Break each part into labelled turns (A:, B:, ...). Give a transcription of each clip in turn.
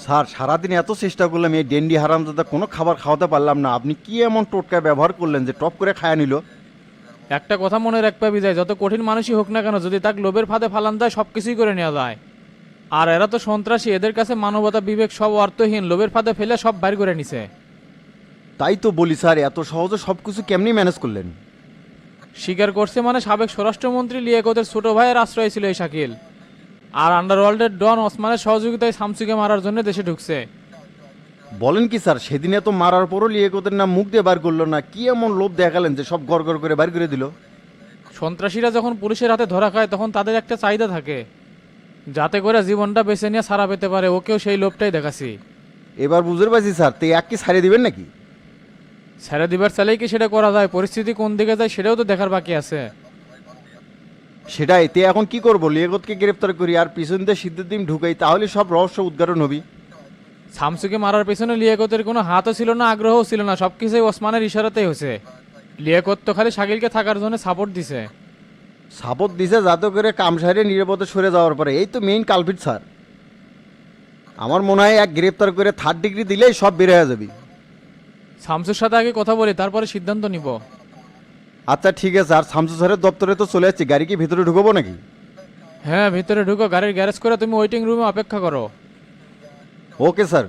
A: Sir সারাদিন এত চেষ্টা করলাম এই ডেন্ডি হারামজাদা কোনো খাবার খাওয়াতে পারলাম না। আপনি কি এমন টোটকা ব্যবহার করলেন যে টপ করে খায়া নিল?
B: একটা কথা মনে রাখবে বিজয়, যত কঠিন মানুষই হোক না কেন, যদি তাকে লোভের ফাঁদে ফালান যায় সব কিছুই করে নেওয়া যায়। আর এরা তো সন্ত্রাসী, এদের কাছে মানবতা বিবেক সব অর্থহীন, লোভের ফাঁদে ফেলে সব বাইর করে নিছে।
A: তাই তো বলি স্যার, এত সহজে সব কিছু কেমনি ম্যানেজ করলেন?
B: স্বীকার করছে মানে সাবেক স্বরাষ্ট্রমন্ত্রী লিয়াকতের ছোট ভাইয়ের আশ্রয় ছিল এই শাকিল। আর আন্ডারওয়ার্ল্ডের ডন ওসমানের সহযোগিতায় শামসুকে মারার জন্য দেশে ঢুকছে।
A: বলেন কি স্যার? সেদিনে তো মারার পরও লিয়েকতের নাম মুখ দিয়ে বার করলো না। কি এমন লোভ দেখালেন যে সব গড় গড় করে বার করে দিল?
B: সন্ত্রাসীরা যখন পুলিশের হাতে ধরা খায় তখন তাদের একটা চাহিদা থাকে, যাতে করে জীবনটা বেছে নিয়ে ছাড়া পেতে পারে। ওকেও সেই লোভটাই দেখাছি।
A: এবার বুঝতে পারছি স্যার, তো এক কি ছাড়িয়ে দিবেন নাকি?
B: ছেড়ে দিবার চাইলেই কি সেটা করা যায়? পরিস্থিতি কোন দিকে যায় সেটাও তো দেখার বাকি আছে।
A: সেটাই, তে এখন কি করবো? লিয়াকতকে গ্রেপ্তার করি আর পিছন দিয়ে সিদ্ধার্থ ঢুকাই, তাহলে সব রহস্য উদ্ঘাটন হবি।
B: শামসুকে মারার পেছনে লিয়াকতের কোনো হাতও ছিল না, আগ্রহও ছিল না, সবকিছুই ওসমানের ইশারাতেই হয়েছে। লিয়াকত তো খালি শাকিলকে থাকার জন্য সাপোর্ট দিছে।
A: সাপোর্ট দিছে যাতে করে কাম সারিয়ে নিরাপদে সরে যাওয়ার পরে। এই তো মেইন কালপিট স্যার। আমার মনে হয় এক গ্রেপ্তার করে 3rd ডিগ্রি দিলেই সব বের হয়ে যাবে।
B: শামসুর সাথে আগে কথা বলি, তারপরে সিদ্ধান্ত নিব।
A: আচ্ছা ঠিক আছে। আর শামসু স্যারের দপ্তরে তো চলে যাচ্ছি, গাড়ি কি ভিতরে ঢুকবো নাকি?
B: হ্যাঁ, ভিতরে ঢুকো, গাড়ির গ্যারেজ করে তুমি ওয়েটিং রুমে অপেক্ষা করো।
A: Okay sir.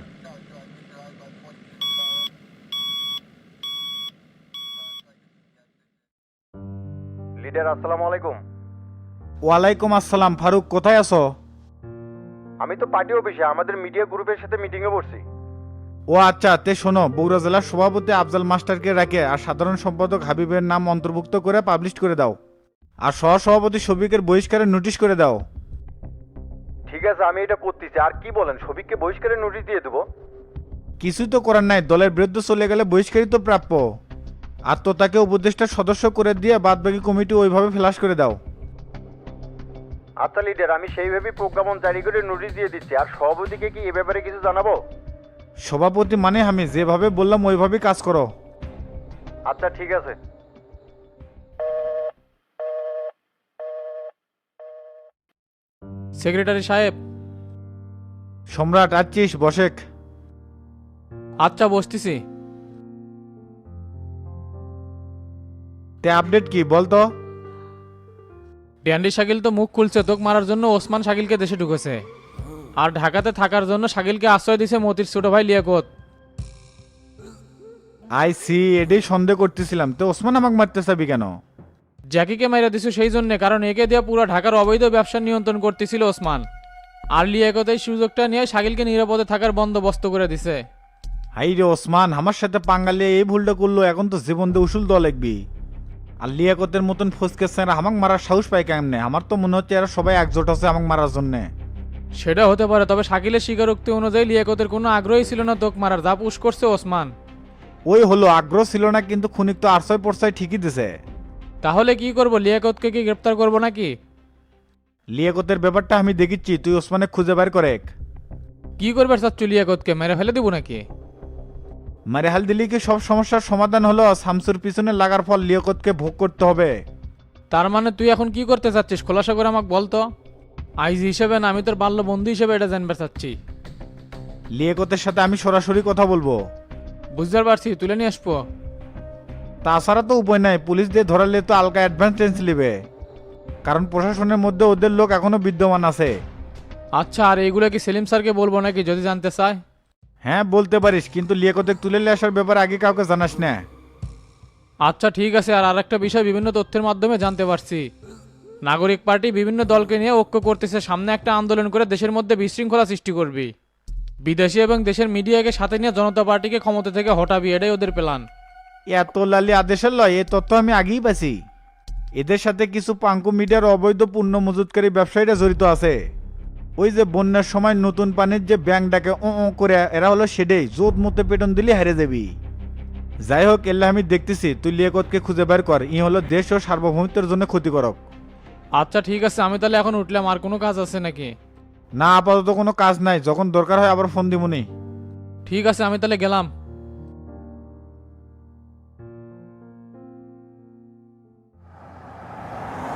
A: লিডার আসসালামু আলাইকুম।
C: ওয়ালাইকুম আসসালাম। ফারুক, কোথায় আছো?
A: আমি তো পার্টি অফিসে আমাদের মিডিয়া গ্রুপের সাথে মিটিংয়ে বসছি।
C: ও আচ্ছা, তে শোনো, বগুড়া জেলার সভাপতি আফজাল মাস্টারকে রাখে আর সাধারণ সম্পাদক হাবিবের নাম অন্তর্ভুক্ত করে পাবলিশ করে দাও। আর সহসভাপতি শফিকের বহিষ্কারের নোটিশ করে দাও।
A: ঠিক আছে, আমি এটা করতেছি। আর কি বলেন, সবিককে বহিষ্কারের নোটিশ দিয়ে দেবো?
C: কিছুই তো করার নাই, দলের বিরুদ্ধে চলে গেলে বহিষ্কারই তো প্রাপ্য। আর তো তাকে উপদেষ্টার সদস্য করে দিয়ে বাদবাকি কমিটি ওইভাবে ফ্লাশ করে দাও।
A: আচ্ছা লিডার, আমি সেইভাবেই প্রজ্ঞাপন জারি করে নোটিশ দিয়ে দিচ্ছি। আর সভাপতিকে কি এ ব্যাপারে কিছু জানাবো?
C: সভাপতি মানে আমি যেভাবে বললাম ওইভাবেই কাজ করো।
A: আচ্ছা ঠিক আছে।
B: সেক্রেটারি সাহেব।
C: সম্রাট আছিস? বসেক।
B: আচ্ছা, বসতেছি।
C: তে আপডেট কি বলতো?
B: ড্যান্ডি শাকিল তো মুখ খুলছে, তোক মারার জন্য ওসমান শাকিলকে দেশে ঢুকেছে। আর ঢাকাতে থাকার জন্য শাকিলকে আশ্রয় দিছে মতির ছোট ভাই লিয়াকত।
C: আই সি, এটাই সন্দেহ করতেছিলাম। তো ওসমান আমাকে মারতে চাবি কেন?
B: জ্যাকিকে মাইরা দিছো সেই জন্য, কারণ একে দিয়ে পুরো ঢাকার অবৈধ ব্যবসা নিয়ন্ত্রণ করতেছিল ওসমান। আর লিয়াকত এই সুযোগটা নিয়ে শাকিলকে নিরাপদে থাকার বন্দোবস্ত করে দিছে।
C: হাই রে ওসমান, আমার সাথে পাঙ্গালে এই ভুলটা করলো, এখন তো জীবন দিয়ে উসুল দেওয়া লাগবি। আর লিয়াকতের মতন ফসকে স্যার আমাকে মারার সাহস পায় কেমনে? আমার তো মনে হচ্ছে এরা সবাই একজোট আছে আমাকে মারার জন্যে।
B: সেটা হতে পারে, তবে শাকিলের স্বীকারোক্তি অনুযায়ী লিয়াকতের কোনো আগ্রহই ছিল না তোক মারার, যা পুশ করছে ওসমান।
C: ওই হলো, আগ্রহ ছিল না কিন্তু খুনিক তো আরছয় পরছয় ঠিকই দিছে।
B: তাহলে কি করব? লিয়াকতকে কি গ্রেপ্তার করব নাকি?
C: লিয়াকতের ব্যাপারটা আমি দেখিচ্ছি, তুই ওসমানে খুঁজে বের করে।
B: কি করবে চাচ্ছু? লিয়াকতকে মেরে ফেলে দিব নাকি?
C: মারে হাল দিলি কি সব সমস্যার সমাধান হলো? শামসুর পিছনে লাগার ফল লিয়াকতকে ভোগ করতে হবে।
B: তার মানে তুই এখন কি করতে চাচ্ছিস? খোলাসা করে আমাকে বলতো। আইজি হিসেবে না, আমি তোর বাল্য বন্ধু হিসেবে এটা জানতে চাচ্ছি।
C: লিয়াকতের সাথে আমি সরাসরি কথা বলবো।
B: বুঝতে পারছি, তুলে নিয়ে আসবো।
C: তাছাড়া তো উপায় নাই, পুলিশ দিয়ে ধরালে তো আলগা অ্যাডভান্স টেন্স নেবে, কারণ প্রশাসনের মধ্যে ওদের লোক এখনো বিদ্যমান আছে।
B: আচ্ছা, আর এইগুলো কি সেলিম স্যারকে বলবো নাকি যদি জানতে চায়?
C: হ্যাঁ বলতে পারিস, কিন্তু লিয়াকতে তুলে নিয়ে আসার ব্যাপারে আগে কাউকে জানাস না।
B: আচ্ছা ঠিক আছে। আর আরেকটা বিষয় বিভিন্ন তথ্যের মাধ্যমে জানতে পারছি, নাগরিক পার্টি বিভিন্ন দলকে নিয়ে ঐক্য করতেছে, সামনে একটা আন্দোলন করে দেশের মধ্যে বিশৃঙ্খলা সৃষ্টি করবি। বিদেশি এবং দেশের মিডিয়াকে সাথে নিয়ে জনতা পার্টিকে ক্ষমতা থেকে হটাবি, এটাই ওদের প্ল্যান।
C: এত লালি আদেশের লয়, এই তথ্য আমি আগেই পাইছি। এদের সাথে কিছু পাঙ্কু মিডিয়ার অবৈধ পণ্য মজুতকারী ব্যবসায়ীরা জড়িত আছে। ওই যে বন্যার সময় নতুন পানির যে ব্যাংক ডাকে ও ও করে, এরা হলো সেটাই, জোত মতে পেটন দিলে হারে যাবি। যাই হোক, এল্লা আমি দেখতেছি, তুই লিয়াকতকে খুঁজে বের কর। ই হলো দেশ ও সার্বভৌমত্বের জন্য ক্ষতিকারক।
B: আচ্ছা ঠিক আছে, আমি তাহলে এখন উঠলাম। আর কোনো কাজ আছে নাকি?
C: না, আপাতত কোনো কাজ নাই, যখন দরকার হয় আবার ফোন দিবনি।
B: ঠিক আছে, আমি তাহলে গেলাম।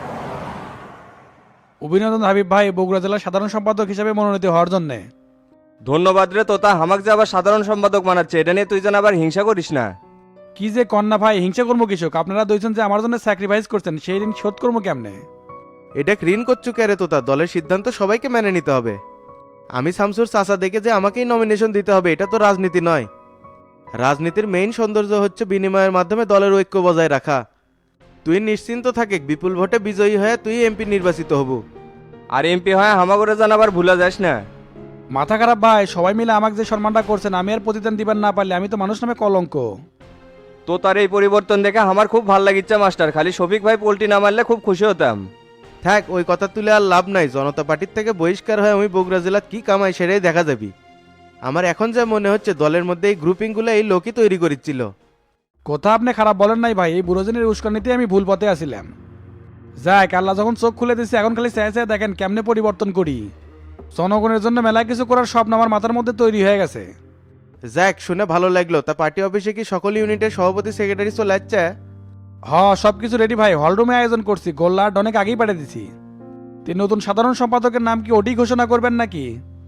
D: অভিনন্দন হাবিব ভাই, বগুড়া জেলার সাধারণ সম্পাদক হিসেবে মনোনীত হওয়ার জন্য। ধন্যবাদ রে তোতা, হামাক যে আবার সাধারণ সম্পাদক বানাচ্ছে, এটা নিয়ে তুই যেন আবার হিংসা করিস না।
E: কি যে কন্যা ভাই, হিংসা কর্ম কৃষক, আপনারা দুইজন যে আমার জন্য স্যাক্রিফাইস করছেন সেই ঋণ শোধ করবো কেমনে?
F: এটা ঋণ করছো কে রে তোতা? দলের সিদ্ধান্ত সবাইকে মেনে নিতে হবে। আমি শামসুর চাচা দেখে যে আমাকেই নমিনেশন দিতে হবে এটা তো রাজনীতি নয়। রাজনীতির মেইন সৌন্দর্য হচ্ছে বিনিময়ের মাধ্যমে দলের ঐক্য বজায় রাখা। তুই নিশ্চিন্ত থাকে, বিপুল ভোটে বিজয়ী হয়ে তুই এমপি নির্বাচিত হব।
D: আর এমপি হয় হামাগরে যেন আবার ভুলা যাস না।
E: মাথা খারাপ ভাই, সবাই মিলে আমাকে যে সম্মানটা করছেন আমি আর প্রতিদান দিবার না পারলে আমি তো মানুষ নামে কলঙ্ক।
D: তোতার এই পরিবর্তন দেখে আমার খুব ভালো লাগিচ্ছে মাস্টার, খালি শফিক ভাই পোল্টি না মারলে খুব খুশি হতাম।
F: থাক, ওই কথা তুলে আর লাভ নাই। জনতা পার্টির থেকে বহিষ্কার হয়ে আমি বগুড়া জেলার কি কামাই সেটাই দেখা যাবি। আমার এখন যা মনে হচ্ছে দলের মধ্যে এই গ্রুপিংগুলো এই লোকই তৈরি করেছিল।
E: কথা আপনি খারাপ বলেন নাই ভাই, এই বুড়োজনের উস্কানিতে আমি ভুল পথে আসিলাম। যাক, আল্লাহ যখন চোখ খুলে দিচ্ছে এখন খালি চেয়ে চেয়ে দেখেন কেমনে পরিবর্তন করি। জনগণের জন্য মেলা কিছু করার স্বপ্ন আমার মাথার মধ্যে তৈরি হয়ে গেছে।
F: যাক, শুনে ভালো লাগলো। তা পার্টি অফিসে কি সকল ইউনিটের সভাপতি সেক্রেটারি চলে যাচ্ছে?
E: হ, সবকিছু রেডি ভাই, হলরুমে আয়োজন করছি, গোল্লা অনেক আগেই পাঠিয়ে দিছি। তিন নতুন সাধারণ সম্পাদকের নাম কি ওটি ঘোষণা করবেন নাকি?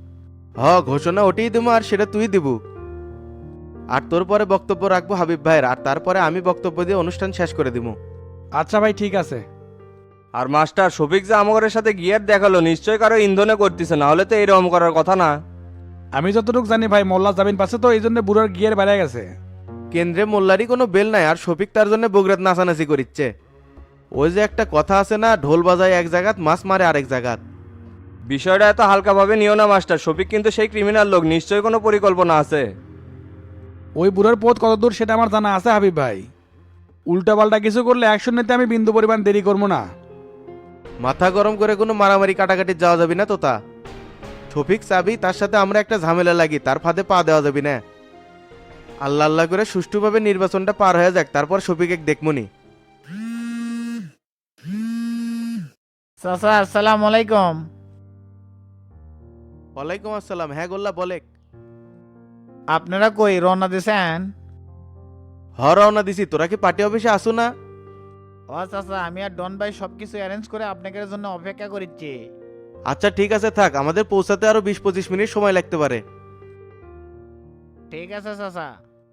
F: ঘোষণা ওটিই দেবো, আর সেটা তুই দিব। আর তোর পরে বক্তব্য রাখবো হাবিব ভাইয়ের, আর তারপরে আমি বক্তব্য দিয়ে অনুষ্ঠান শেষ করে দিব।
E: আচ্ছা ভাই, ঠিক আছে।
D: আর মাস্টার শফিক যে আমাগরের সাথে গিয়ার দেখালো, নিশ্চয় কারো ইন্ধনে করতেছে, না হলে তো এরকম করার কথা না।
E: আমি যতটুকু জানি ভাই, মোল্লা জামিন পাশে তো এই জন্য বুড়োর গিয়ার বেড়ে গেছে।
F: কেন্দ্রে মোল্লারই কোনো বেল নাই, আর শফিক তার জন্য বগুড়াত নাচানাচি করিচ্ছে। ওই যে একটা কথা আছে না, ঢোল বাজায় এক জায়গাত মাছ মারে আরেক জায়গাত।
D: বিষয়টা এত হালকাভাবে নিও না মাস্টার, শফিক কিন্তু সেই ক্রিমিনাল লোক, নিশ্চয়ই কোনো পরিকল্পনা আছে।
E: ওই বুড়োর পথ কত দূর সেটা আমার জানা আছে হাবিব ভাই। উল্টা পাল্টা কিছু করলে অ্যাকশন নিতে আমি বিন্দু পরিমাণ দেরি করবো না।
F: মাথা গরম করে কোনো মারামারি কাটাকাটি যাওয়া যাবে না তোতা। শফিক চাবি, তার সাথে আমরা একটা ঝামেলা লাগি, তার ফাঁদে পা দেওয়া যাবে না। আল্লাহ আল্লাহ করে সুষ্ঠুভাবে নির্বাচনটা পার হয়ে যাক, তারপর শফিক এক দেখমনি।
G: চাচা আসসালামু আলাইকুম।
F: ওয়ালাইকুম আসসালাম। হ্যাঁ গোল্লা বলেক।
G: আপনারা কই রওনা দিছেন?
F: রওনা দিছি। তোরা কি পার্টি অফিসে আসো না?
G: ও চাচা, আমি আর ডন ভাই সবকিছু অ্যারেঞ্জ করে আপনাদের জন্য অপেক্ষা করিচ্ছি।
F: আচ্ছা ঠিক আছে, থাক। আমাদের পৌঁছাতে আরো 20-25 মিনিট সময় লাগতে পারে।
G: ঠিক আছে চাচা।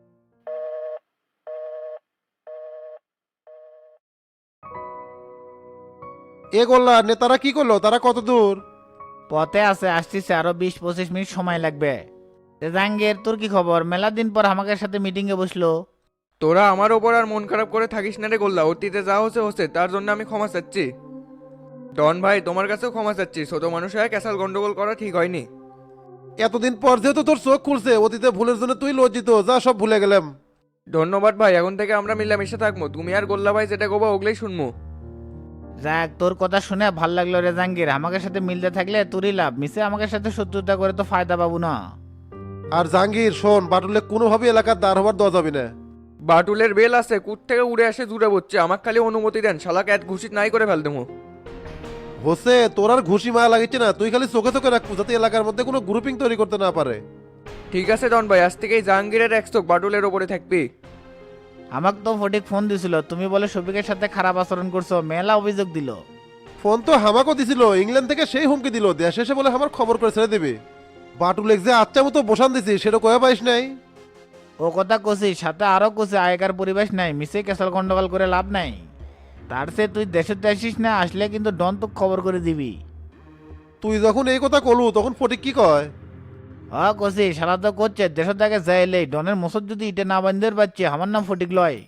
H: এ গোল্লা নেতারা কি করলো? তারা কত দূর?
G: পথে আছে, আসতেছে, আরো 20-25 মিনিট সময় লাগবে। জাহাঙ্গীর, তোর কি খবর? মেলা দিন পর আমাদের সাথে মিটিং এ বসলো।
I: তোরা আমার ওপর আর মন খারাপ করে থাকিস না রে গোল্লা, অতীতে যা হচ্ছে হচ্ছে, তার জন্য আমি ক্ষমা চাচ্ছি। ডন ভাই, তোমার কাছেও ক্ষমা চাচ্ছি, ছোট মানুষ হয়ে ক্যাসাল গন্ডগোল করা ঠিক হয়নি।
H: এতদিন পর যেহেতু তোর চোখ খুলছে, অতীতে ভুলের জন্য তুই লজ্জিত, যা সব ভুলে গেলাম।
I: ধন্যবাদ ভাই, এখন থেকে আমরা মিলামিশে থাকবো, তুমি আর গোল্লা ভাই যেটা গোবা ওগুলোই শুনবো।
G: যাক, তোর কথা শুনে ভাল লাগলো রে জাহাঙ্গীর। আমাদের সাথে মিলতে থাকলে তোরই লাভ, মিশে আমাদের সাথে শত্রুতা করে তো ফায়দা পাবো না।
H: আর জাহাঙ্গীর শোন, বাটুলে কোনোভাবে এলাকার দাঁড় হবার দেওয়া যাবে না।
I: বাটুলের বেল আছে, কুট থেকে উড়ে আসে জুড়ে বসছে, আমাকে খালি অনুমতি দেন, শালাকে এক ঘুষিত নাই করে ফেল দেবো।
H: হোসে, তোর আর ঘুষি মায়া লাগিচ্ছে না, তুই খালি চোখে চোখে রাখবো যাতে এলাকার মধ্যে কোনো গ্রুপিং তৈরি করতে না পারে।
I: ঠিক আছে ডন ভাই, আজ থেকেই জাহাঙ্গীরের এক চোখ বাটুলের ওপরে থাকবি।
G: আমাকে তো ফটিক ফোন দিছিল, তুমি বলে শফিকের সাথে খারাপ আচরণ করছো, মেলা অভিযোগ দিল।
H: ফোন তো হামাকও দিছিল, ইংল্যান্ড থেকে সেই হুমকি দিল, দেশে এসে বলে আমার খবর করে ছেড়ে দিবে। বাটুলেক যে আচ্ছা মতো বসান দিছি সেটা কয়ে পাইস নাই।
G: ও কথা কছি, সাথে আরো কছি আগেকার পরিবেশ নাই, মিশে কেসাল গন্ডগোল করে লাভ নাই। তার সে তুই দেশে আসিস না, আসলে কিন্তু ডন তো খবর করে দিবি।
H: তুই যখন এই কথা কলু তখন ফটিক কি কয়?
G: কছি সারা তো করছে, দেশের দাগে যাইলেই ডনের মোসর যদি ইটে না বান্ধের পাচ্ছে, আমার নাম ফটিক লয়।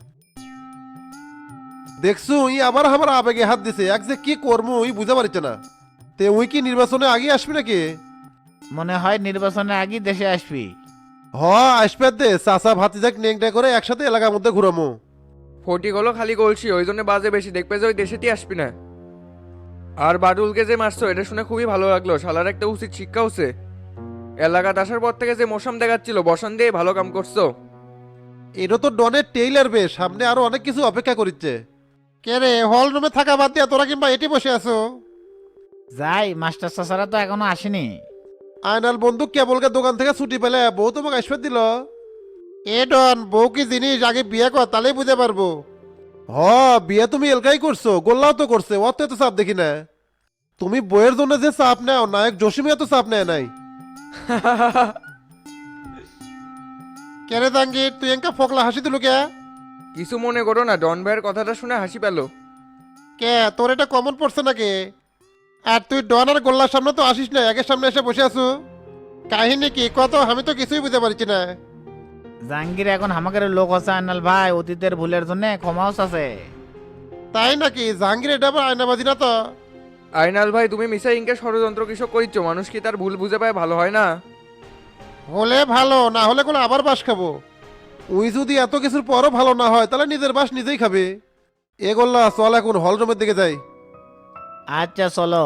H: দেখছু ই আবার আমার আবেগে হাত দিছে, এক যে কি করবো ওই বুঝতে পারছে না। তে উই কি নির্বাচনে আগে আসবি নাকি?
G: মনে হয় নির্বাচনের আগেই দেশে আসবি।
H: আসবে দে, চাচা ভাতিজাক নেংটা করে একসাথে এলাকার মধ্যে ঘুরামো।
I: ফটিক হলো খালি গলছি, ওই জন্য বাজে বেশি, দেখবে যে ওই দেশেতেই আসবি না। আর বাটুলকে যে মারছো এটা শুনে খুবই ভালো লাগলো, শালার একটা উচিত শিক্ষা হচ্ছে। এলাকাতে আসার পর থেকে যে মৌসুম দেখাচ্ছিল, বসান দিয়ে ভালো কাম করছো।
H: এটা তো ডনের টেইলার বে, সামনে আরো অনেক কিছু অপেক্ষা করিচ্ছে। কে রে, হল রুমে থাকা বাদ দিয়া তোরা কিংবা এটি বসে আছো?
G: যাই, মাস্টার চাচারা তো এখনো আসেনি।
H: আয়নাল বন্ধু কেবলকে দোকান থেকে ছুটি পেলে বউ তোমাকে আসবে দিল। এ ডন, বউ কি জিনিস আগে বিয়ে কর, তাহলেই বুঝতে পারবো। বিয়ে তুমি এলকাই করছো, গোল্লাও তো করছে, অত এত চাপ দেখি না। তুমি বইয়ের জন্য যে চাপ নেও, নায়ক জসিমিয়া তো চাপ নেয় নাই। কেরে জাহাঙ্গীর তুই এঙ্কা ফোকলা হাসি দিলু কে?
I: কিছু মনে করো না, ডন ভাইয়ের কথাটা শুনে হাসি পেল।
H: কে তোর এটা কমন পড়ছে নাকি? আর তুই ডন আর গোল্লার সামনে তো আসিস না, একের সামনে এসে বসে আছো। কাহিনী কি কত? আমি তো কিছুই বুঝতে পারছি না।
G: জাহাঙ্গীর এখন আমাদের লোক আছে আন্নাল ভাই, অতীতের ভুলের জন্য ক্ষমাও আছে।
H: তাই নাকি? জাহাঙ্গীর এটা আবার আয়নাবাজি না তো?
I: আইনাল ভাই, তুমি মিশা ইনকে ষড়যন্ত্র কিছু করিচ্ছ, মানুষ কি তার ভুল বুঝে পায় ভালো হয় না?
H: হলে ভালো, না হলে কোনো আবার বাস খাবো। উই যদি এত কিছুর পরও ভালো না হয় তাহলে নিজের বাস নিজেই খাবে। এ গোল্লা চল এখন হল রুমের দিকে যাই।
G: আচ্ছা চলো।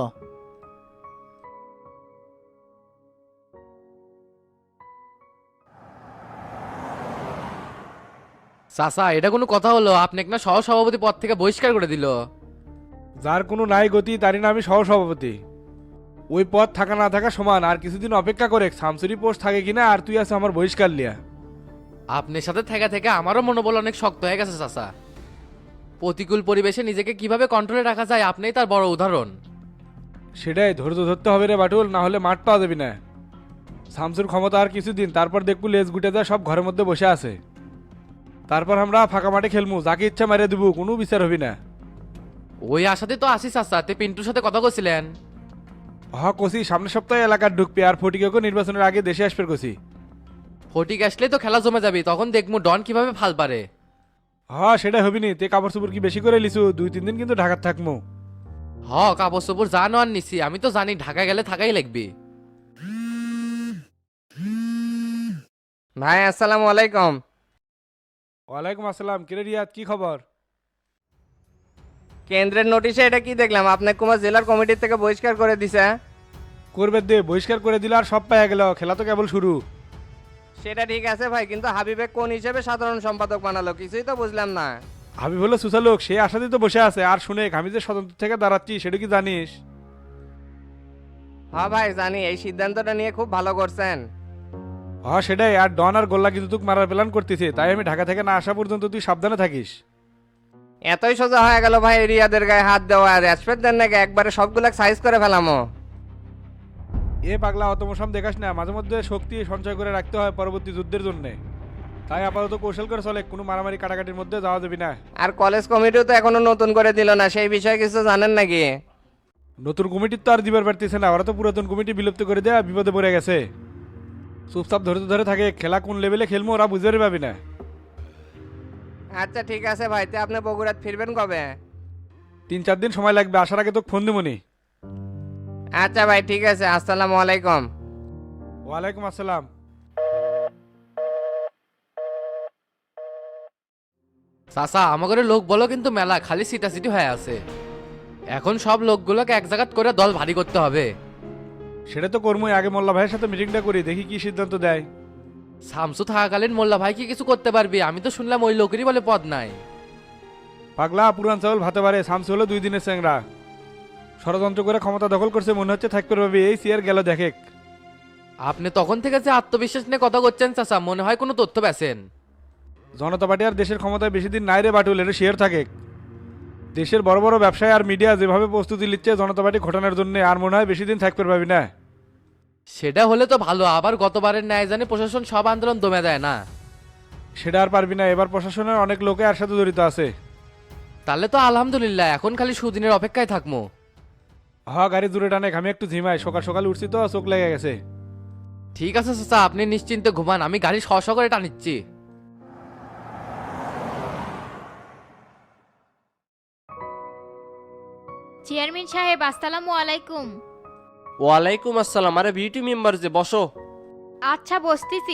J: চাচা, এটা কোনো কথা হলো? আপনাকে না সহ সভাপতি পদ থেকে বহিষ্কার করে দিল।
E: যার কোনো নাই গতি তারই না আমি সহসভাপতি। ওই পদ থাকা না থাকা সমান, আর কিছুদিন অপেক্ষা করে শামসুরি পোস্ট থাকে কিনা, আর তুই আছে আমার বহিষ্কার লিয়া।
J: আপনার সাথে থেকে থেকে আমারও মনোবল অনেক শক্ত হয়ে গেছে চাচা। প্রতিকূল পরিবেশে নিজেকে কিভাবে কন্ট্রোলে রাখা যায় আপনিই তার বড় উদাহরণ।
E: সেটাই ধৈর্য ধরতে হবে রে বাটুল, না হলে মাঠ পাওয়া যাবি না। শামসুর ক্ষমতা আর কিছুদিন, তারপর দেখবো লেজ গুটে যায় সব ঘরের মধ্যে বসে আছে। তারপর আমরা ফাঁকা মাঠে খেলমু, যাকে ইচ্ছা মারিয়ে দেবো, কোনো বিচার হবি না।
J: ওই আশাতে তো আসি চাচা, তে পিন্টুর সাথে কথা বলছিলেন?
E: কষি সামনের সপ্তাহে এলাকার ঢুকবে, আর ফটিকেও নির্বাচনের আগে দেশে আসবে কষি।
J: ফটিক আসলে তো খেলা জমে যাবে, তখন দেখবো ডন কিভাবে ফাল পারে।
E: সেটা হবি নি। তে কাপড় চোপড় কি বেশি করে লিছু? 2-3 দিন কিন্তু ঢাকার থাকমু।
J: কাপড় চোপড় যা নেওয়ার নিছি, আমি তো জানি ঢাকা গেলে থাকাই লাগবে।
D: ভাই আসসালামু আলাইকুম।
E: ওয়ালাইকুম আসসালাম। কিরে রিয়াদ, কি খবর?
D: কেন্দ্রের নোটিশে এটা কি দেখলাম, আপনাকে কুমার জেলার কমিটির থেকে বহিষ্কার করে দিছে।
E: করবে দে, বহিষ্কার করে দিল আর সব পাইয়া গেল, খেলা তো কেবল শুরু।
D: সেটা ঠিক আছে ভাই, কিন্তু হাবিবে কোন হিসেবে সাধারণ সম্পাদক বানালো কিছুই তো বুঝলাম না।
E: হাবিব হলো সুসালোক, সে আশাতেই তো বসে আছে। আর শুনে আমি যে স্বতন্ত্র থেকে দাঁড়াচ্ছি সেটা কি জানিস?
D: হ্যাঁ ভাই জানি, এই সিদ্ধান্তটা নিয়ে খুব ভালো করছেন।
E: সেটাই। আর ডন আর গোল্লা কিন্তু তুই মারার প্ল্যান করতেছে, তাই আমি ঢাকা থেকে না আসা পর্যন্ত তুই সাবধানে থাকিস।
D: এতই সোজা হয়ে গেল ভাই রিয়াদের গায়ে হাত দেওয়া? আর রেসপেক্ট দেন নাকি একবারে সবগুলা সাইজ করে ফেলামো?
E: এ পাগলা, অত মশাম দেখাস না, মাঝে মধ্যে শক্তি সঞ্চয় করে রাখতে হয় পরবর্তী যুদ্ধের জন্য। তাই আপাতত কৌশল করে চলে, কোনো মারামারি কাটাকাটির মধ্যে যাওয়া যাবে না।
D: আর কলেজ কমিটিও তো এখনো নতুন করে দিল না, সেই বিষয়ে কিছু জানেন নাকি?
E: নতুন কমিটির তো আর দিবার পারতেছে না, ওরা তো পুরাতন কমিটি বিলুপ্ত করে দেয়া বিপদে পড়ে গেছে। চুপচাপ ধরে ধরে থাকে, খেলা কোন লেভেলে খেলবো ওরা বুঝতে পারবি না।
D: আচ্ছা ঠিক আছে ভাই, তে আপনি বগুড়াত ফিরবেন কবে?
E: 3-4 দিন সময় লাগবে, আসার আগে তো ফোন দিবনি।
D: আচ্ছা ভাই ঠিক আছে, আসসালামু আলাইকুম।
E: ওয়ালাইকুম আসসালাম।
J: চাচা, আমাদের লোক বলো কিন্তু মেলা খালি সিটাসিটি হয়ে আছে। এখন সব লোকগুলোকে এক জায়গাত করে দল ভারী করতে হবে।
E: সেটা তো কর্মই, আগে মোল্লা ভাইয়ের সাথে মিটিংটা করি, দেখি কি সিদ্ধান্ত দেয়।
J: শামসু থাকাকালীন মোল্লা ভাই কি কিছু করতে পারবি? আমি তো শুনলাম ওই লোকেরই বলে পদ নাই।
E: পাগলা, পুরান চাউল ভাতে পারে, শামসু হলো 2 দিনের চ্যাংরা। ষড়যন্ত্র করে ক্ষমতা দখল করছে, মনে হচ্ছে থাকতে পারবে। এই সিয়ার গেল দেখে।
J: আপনি তখন থেকে যে আত্মবিশ্বাস নিয়ে কথা করছেন চাচা, মনে হয় কোনো তথ্য পেয়েছেন।
E: জনতা পার্টি আর দেশের ক্ষমতায় বেশি দিন নাই রে বাটুল, এটা শেয়ার থাকে। দেশের বড় বড় ব্যবসায়ী আর মিডিয়া যেভাবে প্রস্তুতি নিচ্ছে জনতা পার্টি ঘটনার জন্য, আর মনে হয় বেশি দিন থাকতে পারবি না।
J: সেটা হলে তো ভালো, আবার গতবারের ন্যায় জানি প্রশাসন সব আন্দোলন দমে দেয় না।
E: সেটা আর পারবি না, এবার প্রশাসনের অনেক লোকে আর সাথে জড়িত আছে।
J: তাহলে তো আলহামদুলিল্লাহ, এখন খালি সুদিনের অপেক্ষায় থাকবো।
E: গাড়ি দূরে টানে, আমি একটু ঝিমাই, সকাল সকাল উঠছি তো চোখ লেগে গেছে।
J: ঠিক আছে চাচা, আপনি নিশ্চিন্তে ঘুমান, আমি গাড়ি শশ করে টানিচ্ছি।
K: চেয়ারম্যান সাহেব আসসালামু আলাইকুম।
L: ওয়ালাইকুম আসসালাম। আরে বিউটি মেম্বার যে, বসো।
K: আচ্ছা বসতেছি।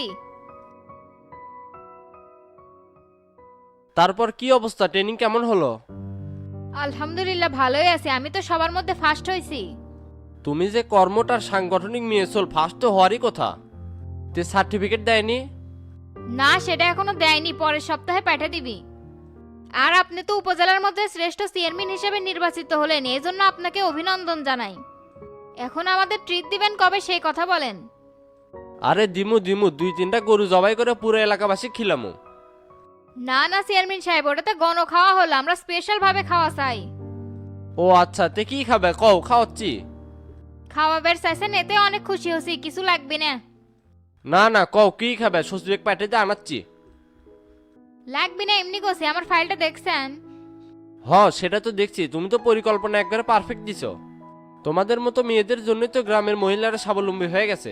L: তারপর কি অবস্থা, ট্রেনিং কেমন হলো?
K: আলহামদুলিল্লাহ ভালোই আছে, আমি তো সবার মধ্যে ফার্স্ট হয়েছি।
L: তুমি যে কর্মটার সাংগঠনিক মিয়েছল, ফার্স্ট তো হওয়ারই কথা। তে সার্টিফিকেট দেয়নি?
K: না, সেটা এখনো দেয়নি, পরের সপ্তাহে পাঠিয়ে দিবি। আর আপনি তো উপজেলার মধ্যে শ্রেষ্ঠ চেয়ারম্যান হিসেবে নির্বাচিত হলেন, এই জন্য আপনাকে অভিনন্দন জানাই। এখন আমাদের ট্রিট দিবেন কবে সেই কথা বলেন।
L: আরে দিমু দিমু, 2-3টা গরু জবাই করে পুরো এলাকাবাসী খিলামু।
K: না না চেয়ারম্যান সাহেব, ওটাতে গণ খাওয়া হলো, আমরা স্পেশাল ভাবে খাওয়া চাই।
L: ও আচ্ছা, তে কি খাবে কও, খাওয়াচ্ছি।
K: খাওয়াবের চাইছেন এতে অনেক খুশি হছি, কিছু লাগবে না।
L: না না কও কি খাবে, শ্বশুরেক পাঠাইতে আনাচ্ছি।
K: লাগবে না এমনি কছি, আমার ফাইলটা দেখছেন?
L: হ সেটা তো দেখছি, তুমি তো পরিকল্পনা একবারে পারফেক্ট দিছো। তোমাদের মতো মেয়েদের জন্যই তো গ্রামের মহিলারা স্বাবলম্বী হয়ে গেছে।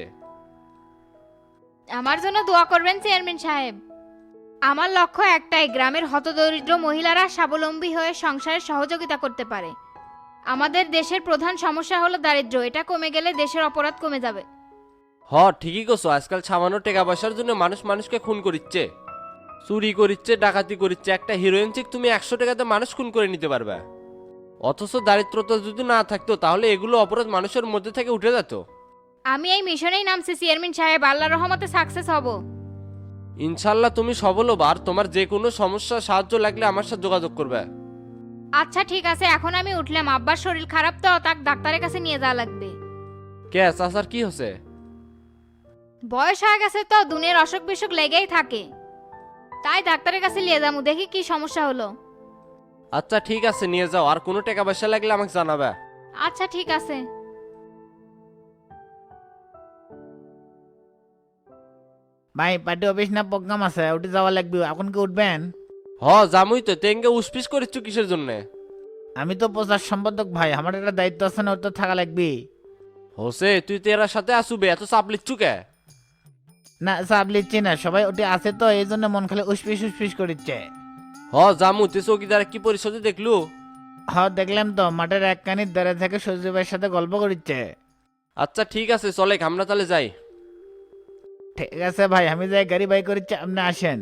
K: আমার জন্য দোয়া করবেন চেয়ারম্যান সাহেব। আমার লক্ষ্য একটাই, গ্রামের হতদরিদ্র মহিলারা স্বাবলম্বী হয়ে সংসারে সহযোগিতা করতে পারে। আমাদের দেশের প্রধান সমস্যা হলো দারিদ্র্য, এটা কমে গেলে দেশের অপরাধ কমে যাবে।
L: হ ঠিকই করছো, আজকাল সামান্য টাকা পয়সার জন্য মানুষ মানুষকে খুন করিচ্ছে, চুরি করিচ্ছে, ডাকাতি করিচ্ছে। একটা হিরোইন চিক তুমি 100 টাকাতে মানুষ খুন করে নিতে পারবে। অথচ দারিদ্রতা যদি না থাকতো তাহলে এগুলো অপরাধ মানুষের মধ্যে থেকে উঠে যেত।
K: আমি এই মিশনেই নামছি চেয়ারম্যান সাহেব, আল্লাহর রহমতে সাকসেস হব।
L: ইনশাল্লাহ তুমি সফল হবা, আর তোমার যে কোনো সমস্যা সাহায্য লাগলে আমার সাথে যোগাযোগ করবে।
K: আচ্ছা ঠিক আছে, এখন আমি উঠলাম, আব্বার শরীর খারাপ তো, তাক ডাক্তারের কাছে নিয়ে যাওয়া লাগবে।
L: কে চাচার কি হচ্ছে?
K: বয়স হয়ে গেছে তো, দুনিয়ার অসুখ বিসুখ লেগেই থাকে, তাই ডাক্তারের কাছে নিয়ে যাবো, দেখি কি সমস্যা হলো।
L: আচ্ছা ঠিক আছে নিয়ে যাও, আর কোনো টাকা পয়সা লাগলে আমাকে জানাবে।
K: আচ্ছা ঠিক আছে।
G: ভাই পার্টি অফিস না প্রোগ্রাম আছে, উঠে যাওয়া লাগবে, এখন কি উঠবেন?
L: হ জামুই তো, তেঙ্গে উসপিস করিচ্ছ কিসের জন্য?
G: আমি তো প্রচার সম্পাদক ভাই, আমার একটা দায়িত্ব আছে না, ওর তো থাকা লাগবে।
L: হোসে তুই তেরার সাথে আসুবে, এত চাপ লিচ্ছু কে?
G: না চাপ লিচ্ছি না, সবাই ওটি আছে তো এই জন্য মন খালি উসপিস উসপিস করিচ্ছে।
L: হ জামু, তুই চৌকিদার কি পরিষদে দেখলু?
G: হ্যাঁ দেখলাম তো, মাঠের এক কানির দ্বারা থেকে সজীব ভাইয়ের সাথে গল্প করিচ্ছে।
L: আচ্ছা ঠিক আছে চলে, আমরা তাহলে যাই।
G: ঠিক আছে ভাই, আমি যাই, গাড়ি বাই করিচ্ছে, আপনি আসেন।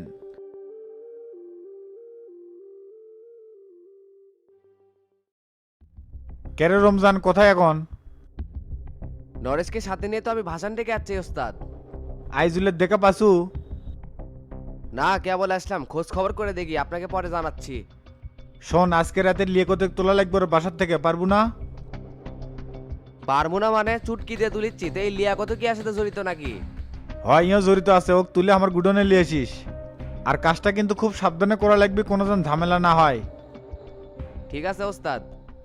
C: কেরে রমজান কোথায় এখন?
F: নরেশকে সাথে নিয়ে তো আমি ভাষণ ডেকে যাচ্ছি ওস্তাদ।
C: আইজুলের দেখা পাসু?
F: না কেবল আসলাম, খোঁজ খবর করে দেখি, আপনাকে পরে জানাচ্ছি।
C: শোন, আজকে রাতে লিয়েকতে তোলা লাগবে ওর বাসার থেকে, পারবো না?
F: পারবো না মানে চুটকি দিয়ে তুলিচ্ছি, তো এই লিয়াকত কি আসলে জড়িত নাকি?
C: হয় ইও জড়িত আছে, ওক তুলে আমার গুডনে নিয়ে আসিস। আর কাজটা কিন্তু খুব সাবধানে করা লাগবে, কোনো যেন ঝামেলা না হয়।
F: ঠিক আছে ওস্তাদ।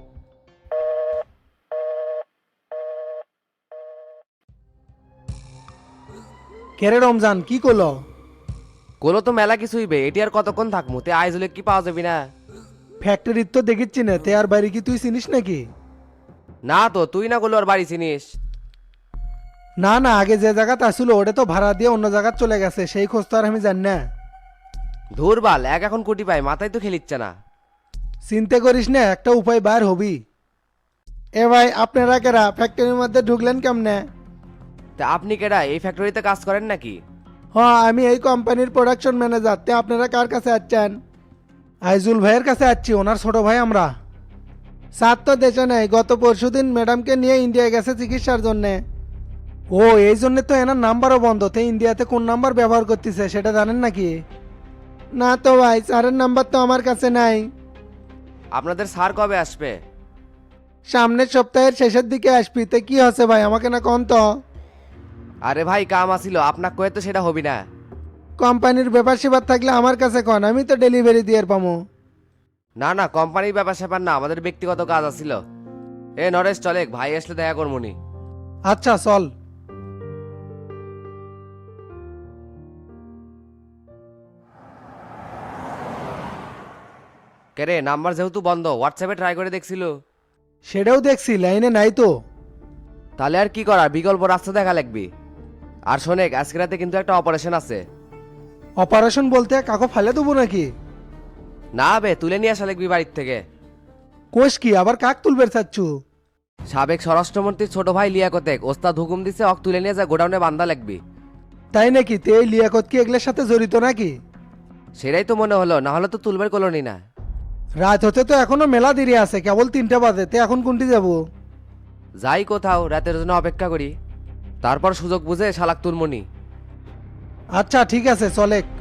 E: কেরে রমজান কি করলো?
F: কোলো তো মেলা কিছুই বে, এটি আর কতক্ষণ থাকবো, তে আইজুলে কি পাওয়া যাবে না?
E: ফ্যাক্টরির তো দেখিচ্ছি না, তে আর বাড়ি কি তুই চিনিস নাকি?
F: না তো, তুই না করলো আর বাড়ি চিনিস?
E: না না, আগে যে জায়গাতে আসলো ওটা তো ভাড়া দিয়ে অন্য জায়গায় চলে গেছে, সেই খোঁজ তো আর আমি জানি না।
F: ধুরবাল, এক এখন কোটি পাই, মাথায় তো খেলিচ্ছে না।
E: চিন্তা করিস না, একটা উপায় বার হবি। এ ভাই আপনারা কেরা ফ্যাক্টরির মধ্যে ঢুকলেন কেমনে?
F: তা আপনি কেডা, এই ফ্যাক্টরিতে কাজ করেন নাকি?
E: হ্যাঁ আমি এই কোম্পানির প্রোডাকশন ম্যানেজার। তে আপনারা কার কাছে আসছেন? আইজুল ভাইয়ের কাছে আসছি, ওনার ছোট ভাই আমরা। স্যার তো দেশে নেই, গত পরশুদিন ম্যাডামকে নিয়ে ইন্ডিয়া গেছে চিকিৎসার জন্যে। ও এই জন্যে তো এনার নাম্বারও বন্ধ। তে ইন্ডিয়াতে কোন নাম্বার ব্যবহার করতেছে সেটা জানেন নাকি? না তো ভাই, স্যারের নাম্বার তো আমার কাছে নাই।
F: আপনাদের স্যার কবে আসবে?
E: সামনের সপ্তাহের শেষের দিকে আসবি। তে কি হচ্ছে ভাই, আমাকে না কন তো।
F: আরে ভাই কাম আসিল, আপনার কয়ে তো সেটা হবি না।
E: কোম্পানির ব্যাপার সেবার থাকলে আমার কাছে কন, আমি তো ডেলিভারি দিয়ে পাবো।
F: না না, কোম্পানির ব্যাপার স্যাপার না, আমাদের ব্যক্তিগত কাজ আসিল। এ নরেশ চলে, ভাই আসলে দেখা করমুনি।
E: আচ্ছা চল।
F: কেরে নাম্বার যেহেতু বন্ধ, হোয়াটসঅ্যাপে ট্রাই করে দেখছিল।
E: সেটাও দেখছি, লাইনে নাই তো।
F: তাহলে আর কি করা, বিকল্প রাস্তা দেখা লাগবে। আর শোনেক, আজকে রাতে কিন্তু একটা অপারেশন আছে।
E: অপারেশন বলতে কাকো ফালে দেবো নাকি?
F: না বে, তুলে নিয়ে আসা লাগবি বাড়ির থেকে।
E: কোষ কি আবার কাক তুলবে চাচ্ছু?
F: সাবেক স্বরাষ্ট্রমন্ত্রীর ছোট ভাই লিয়াকতেক ওস্তাদ হুকুম দিছে, অক তুলে নিয়ে যা গোডাউনে বান্ধা লাগবি।
E: তাই নাকি? তে এই লিয়াকত কি এগুলোর সাথে জড়িত নাকি?
F: সেটাই তো মনে হলো, না হলে তো তুলবের কলোনি না।
E: রাত হতে তো এখনো মেলা দেরি আছে, কেবল 3টা বাজে। তে এখন কোনটি যাবো?
F: যাই কোথাও, রাতের জন্য অপেক্ষা করি, তারপর সুযোগ বুঝে শালাক তুলমনি।
E: আচ্ছা ঠিক আছে চলে।